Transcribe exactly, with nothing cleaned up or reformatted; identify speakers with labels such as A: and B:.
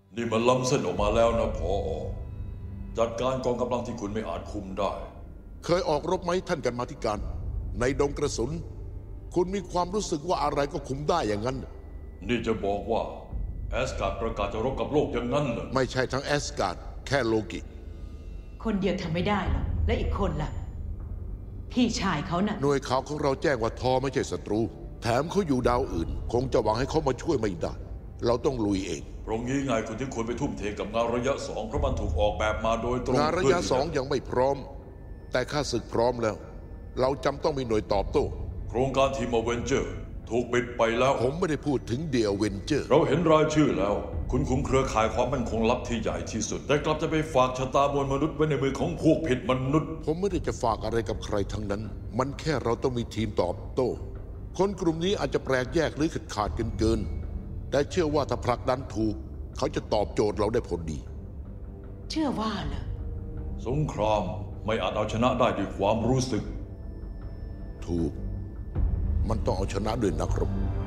A: นี่มันล้ำเส้นออกมาแล้วนะผอ.จัดการกองกำลังที่คุณไม่อาจคุมได้
B: เคยออกรบไหมท่านกรรมาธิการในดงกระสุนคุณมีความรู้สึกว่าอะไรก็คุมได้อย่างนั้น
A: นี่จะบอกว่าแอสการ์ดประกาศจะรบกับโลกอย่างนั้นเหรอ
B: ไม่ใช่ทั้งแอสการ์ดแค่โลกิ
C: คนเดียวทำไม่ได้หรอกและอีกคนล่ะพี่ชายเขาน่ะ
B: หน่วยข่าวของเราแจ้งว่าทอไม่ใช่ศัตรูแถมเขาอยู่ดาวอื่นคงจะหวังให้เขามาช่วยไม่ได้เราต้องลุยเอง
A: ตรงนี้ไงคุณที่ควรไปทุ่มเทกับงานระยะสองเพราะมันถูกออกแบบมาโดยตรง
B: งานระยะสองยังไม่พร้อมแต่ข้าศึกพร้อมแล้วเราจำต้องมีหน่วยตอบโต้
A: โครงการทีมอเวนเจอร์ถูกปิดไปแล้ว
B: ผมไม่ได้พูดถึงเดียเวนเจอร์
A: เราเห็นรายชื่อแล้วคุณคุมเครือข่ายความมั่นคงลับที่ใหญ่ที่สุดแต่กลับจะไปฝากชะตามวลมนุษย์ไว้ในมือของพวกผิดมนุษย์
B: ผมไม่ได้จะฝากอะไรกับใครทั้งนั้นมันแค่เราต้องมีทีมตอบโต้คนกลุ่มนี้อาจจะแปลกแยกหรือขาดขาดกันเกินแต่เชื่อว่าถ้าผลักดันถูกเขาจะตอบโจทย์เราได้ผลดี
C: เชื่อว่าเหรอ
A: สงครามไม่อาจเอาชนะได้ด้วยความรู้สึก
B: ถูกมันต้องเอาชนะด้วยนักรบ